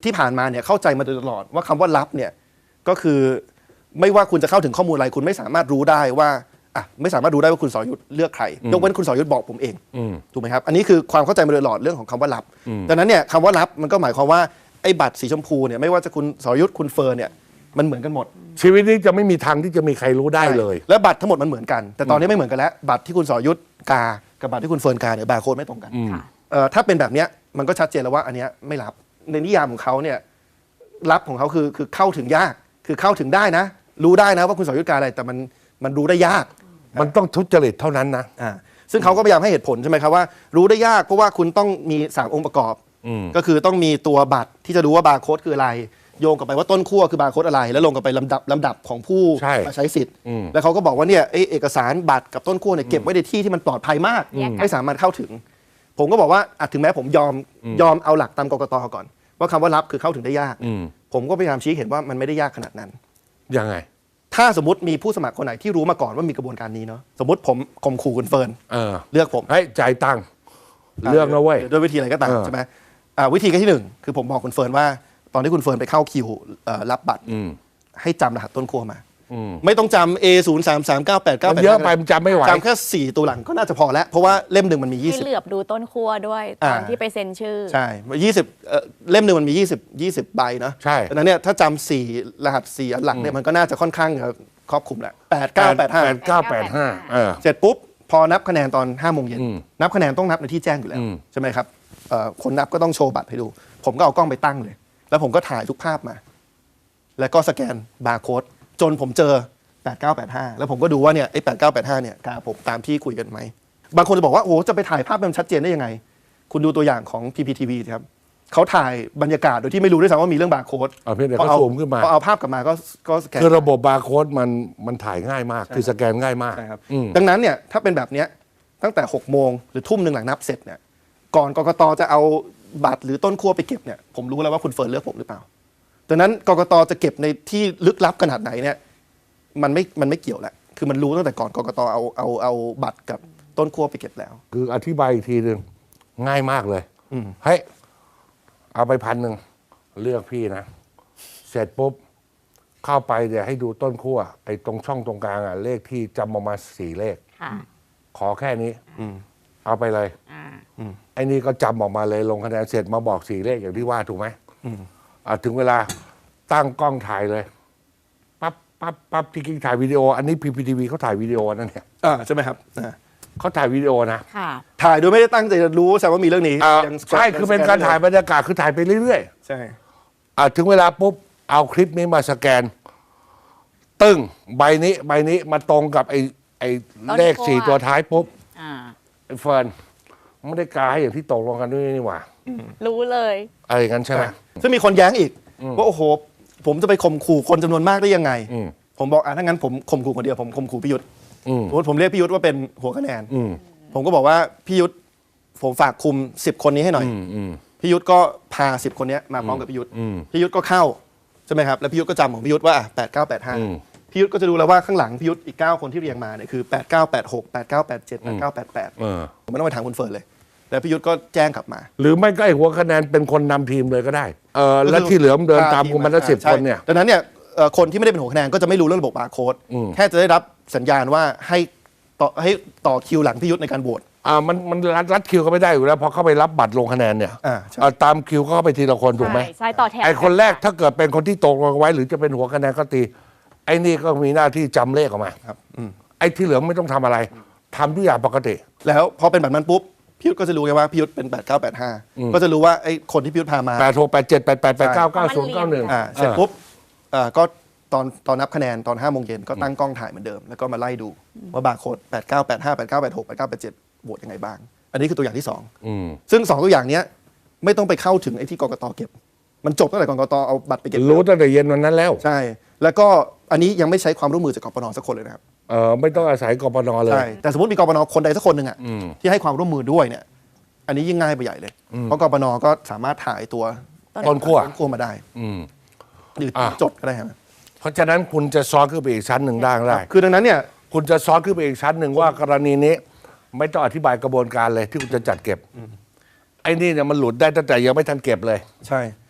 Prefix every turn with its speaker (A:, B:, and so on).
A: ที่ผ่านมาเนี่ยเข้าใจมาโดยตลอดว่าคำว่าลับเนี่ยก็คือไม่ว่าคุณจะเข้าถึงข้อมูลอะไรคุณไม่สามารถรู้ได้ว่าไม่สามารถรู้ได้ว่าคุณสรยุทธ์เลือกใครยกเว้นคุณสรยุทธ์บอกผมเองถูกไหมครับอันนี้คือความเข้าใจมาโดยตลอดเรื่องของคำว่าลับดังนั้นเนี่ยคำว่าลับมันก็หมายความว่าไอ้บัตรสีชมพูเนี่ยไม่ว่าจะคุณสรยุทธ์คุณเฟิร์นเนี่ยมันเหมือนกันหมด
B: ชีวิตนี้จะไม่มีทางที่จะมีใครรู้ได้เลย
A: และบัตรทั้งหมดมันเหมือนกันแต่ตอนนี้ไม่เหมือนกันแล้วบัตรที่คุณสรยุทธ์กากับบัตรที่คุณเฟิร์นกาเนี่ยบาร์โค้ดไม่ตรงกันถ้าเป็นแบบเนี้ยมันก็ชัดเจนแล้วว่าอันเนี้ยไม่ลับในนิยามของเขาเนี่ยลับของเขาคือเข้าถึงยากคือเข้าถึงได้นะรู้ได้นะว่าคุณสรยุทธ์กาอะไรแต่มันรู้ได้ยาก
B: มันต้องทุจริตเท่านั้นนะ
A: ซึ่งเขาก็พยายามให้เหตุผลใช่ไหมครับว่ารู้ได้ยากเพราะว่าคุณต้องมี3องค์ประกอบก็คือต้องมีตัวบัตรที่จะรู้ว่าบาร์โค้ดคืออะไรโยงกลับไปว่าต้นขั้วคือบาร์โค้ดอะไรแล้วลงกลับไปลำดับของผู้มาใช้สิทธิ์แล้วเขาก็บอกว่าเนี่ยเอกสารบัตรกับต้นขั้วเนี่ยเก็บไว้ในที่ที่มันปลอดภัยมากไม่สามารถเข้าถึงผมก็บอกว่าถึงแม้ผมยอมเอาหลักตามกกต.ก่อนว่าคำว่าลับคือเข้าถึงได้ยากผมก็พยายามชี้เห็นว่ามันไม่ได้ยากขนาดนั้น
B: ยังไง
A: ถ้าสมมติมีผู้สมัครคนไหนที่รู้มาก่อนว่ามีกระบวนการนี้เนาะสมมติผมข่มขู่คุณเฟิร์นเลือกผม
B: ให้จ่ายตังค์เลือกนะเว้ย
A: ด้วยวิธีอะไรก็ตามใช่ไหมวิธีที่1คือผมบอกคุณเฟิร์นว่าตอนที่คุณเฟิร์นไปเข้าคิวรับบัตรให้จำรหัสต้นขั้วมาไม่ต้องจำ A033989
B: เยอะไปมันจำไม่ไหว
A: จำแค่4ตัวหลังก็น่าจะพอแล้วเพราะว่าเล่มหนึ่งมันมี20
C: ให้เหลือบดูต้นขั้วด้วยตอนที่ไปเซ็นชื่อ
A: ใช่20เล่มหนึ่งมันมี20ใบเนาะ
B: ใช่
A: ดังนั้นเนี่ยถ้าจำ4รหัส4อันหลังเนี่ยมันก็น่าจะค่อนข้างครอบคลุมแหละ8985เสร็จปุ๊บพอนับคะแนนตอน5โมงเย็นนับคะแนนต้องนับในที่แจ้งอยู่แล้วใช่ไหมครับคนนับก็ต้องโชว์บัตรให้ดูผมก็เอากล้องไปตั้งเลยแล้วผมก็ถ่ายทุกภาพมาแล้วก็สแกนบาร์โค้ดจนผมเจอ8985แล้วผมก็ดูว่าเนี่ยไอ้8985เนี่ยกาผมตามที่คุยกันไหมบางคนจะบอกว่าโอ้จะไปถ่ายภาพมันชัดเจนได้ยังไงคุณดูตัวอย่างของ PPTV ครับเขาถ่ายบรรยากาศโดยที่ไม่รู้ด้วยซ้ำว่ามีเรื่องบาร์โค้ด
B: เพียงแต่เขาซูมขึ้นมา
A: พอเอาภาพกลับมาก็สแกน
B: คือระบบบาร์โค้ดมันถ่ายง่ายมากคือสแกนง่ายมาก
A: ใช่ครับดังนั้นเนี่ยถ้าเป็นแบบเนี้ยตั้งแต่6โมงหรือทุ่มหนึ่งหลังนับเสร็จเนี่ยก่อนกกต.จะเอาบัตรหรือต้นขั้วไปเก็บเนี่ยผมรู้แล้วว่าคุณเฟิร์นเลือกผมหรือเปล่าดังนั้นกกต.จะเก็บในที่ลึกลับขนาดไหนเนี่ยมันไม่เกี่ยวแหละคือมันรู้ตั้งแต่ก่อนกกต.เอาบัตรกับต้นขั้วไปเก็บแล้ว
B: คืออธิบายอีกทีหนึ่งง่ายมากเลยเฮ้ยเอาไป1,000เลือกพี่นะเสร็จปุ๊บเข้าไปเดี๋ยวให้ดูต้นขั้วไอ้ตรงช่องตรงกลางเลขที่จำออกมา4 เลขขอแค่นี้เอาไปเลยไอ้นี่ก็จำออกมาเลยลงคะแนนเสร็จมาบอก4 เลขอย่างที่ว่าถูกไหมถึงเวลาตั้งกล้องถ่ายเลยปั๊บที่กิ๊กถ่ายวิดีโออันนี้ PPTV เขาถ่ายวิดีโอนั่นเนี่ย
A: ใช่ไหมครับ
B: เขาถ่ายวิดีโอนะ
A: ถ่ายโดยไม่ได้ตั้งใจจะรู้ใช่ว่ามีเรื่องนี้
B: ใช่คือเป็นการถ่ายบรรยากาศคือถ่ายไปเรื่อย
A: ๆใช่
B: ถึงเวลาปุ๊บเอาคลิปนี้มาสแกนตึ้งใบนี้มาตรงกับไอ้เลข4 ตัวท้ายปุ๊บไอ้เฟิร์นไม่ได้กาให้อย่างที่ตกลงกันด้วยนี่หว่า
C: รู้เลย
B: อะไรอย่างนั้นใช่ไหม
A: ซึ่งมีคนแย้งอีกว่าโอ้โหผมจะไปข่มขู่คนจำนวนมากได้ยังไงผมบอกถ้างั้นผมข่มขู่คนเดียวผมข่มขู่พิยุทธ์ผมเรียกพิยุทธ์ว่าเป็นหัวคะแนนผมก็บอกว่าพิยุทธ์ผมฝากคุม10 คนนี้ให้หน่อยพิยุทธ์ก็พา10 คนนี้มาพร้อมกับพิยุทธ์พิยุทธ์ก็เข้าใช่ไหมครับแล้วพิยุทธ์ก็จำของพิยุทธ์ว่า8985พิยุทธ์ก็จะดูแล้วว่าข้างหลังพิยุทธ์อีก9 คนที่เรียงมาเนี่ยคือ8986 8987 8988ผมไม่ต้องไปถามคุณเฟิร์นเลยแล้วพิยุทธ์ก็แจ้งกลับมา
B: หรือไม่ก็ไอ้หัวคะแนนเป็นคนนำทีมเลยก็ได้แล้วที่เหลือเดินตามคุณมันละ10 คนเนี่ย
A: ดังนั้นเนี่ยคนที่ไม่ได้เป็นหัวคะแนนก็จะไม่รู้เรื่องระบบบาร์โค้ดแค่จะได้รับสัญญาณว่าให้ต่อคิวหลังพิยุทธ์ในการโหวต
B: มันรัดคิวก็ไม่ได้อยู่แล้วพอเข้าไปรับบัตรลงคะแนนเนี่ยตามคิวก็เข้าไปทีละคนถูกไหม
C: ใช่ต่อแถว
B: ไอ้คนแรกถ้าเกิดเป็นคนที่ตกลงไว้หรือจะเป็นหัวคะแนนก็ตีไอ้นี่ก็มีหน้าที่จำเลขออกมา
A: ครับ
B: ไอ้ที่เหลือไม่ต้องทำอะไรทำทุกอย่างปกติ
A: แล้วพอเป็นแบบนั้นปุ๊บพิยุทธ์ก็จะรู้ไงว่าพิยุทธ์เป็น8985ก็จะรู้ว่าไอ้คนที่พิยุทธ์พามา
B: 86 87 88 89 90 91
A: เสร็จปุ๊บก็ตอนนับคะแนนตอน5โมงเย็นก็ตั้งกล้องถ่ายเหมือนเดิมแล้วก็มาไล่ดูว่าบาร์โค้ด8985 8986 8987โหวตยังไงบ้างอันนี้คือตัวอย่างที่2ซึ่ง2ตัวอย่างนี้ไม่ต้องไปเข้าถึงไอ้ที่กกต.เก็บมันจบตั้งแต่กกต.เอาบัตรไปเก็บ
B: รู้ตั้งแต่เย็นวันนั้นแล้ว
A: ใช่แล้วก็อันนี้ยังไม่ใช้ความร่วมมือจากกปน.สักคนเลยนะครับ
B: ไม่ต้องอาศัยกปน.เลย
A: ใช่แต่สมมติมีกปน.คนใดสักคนหนึ่งที่ให้ความร่วมมือด้วยเนี่ยอันนี้ยิ่งง่ายไปใหญ่เลยเพราะกปน.ก็สามารถถ่ายตัว
B: ต้นขั้ว
A: มาได้หรือจดก็ได้ครับ
B: เพราะฉะนั้นคุณจะซ้อนขึ้นไปอีกชั้นหนึ่งได้
A: คือดังนั้นเนี่ย
B: คุณจะซ้อนขึ้นไปอีกชั้นหนึ่งว่ากรณีนี้ไม่ต้องอธิบายกระบวนการเลยที่คุณจะจัดเก็บไอ้นี่เนี่ยมันหลุดได้ตั้งแต่ยังไม่ทันเก็บเลย
A: ใช่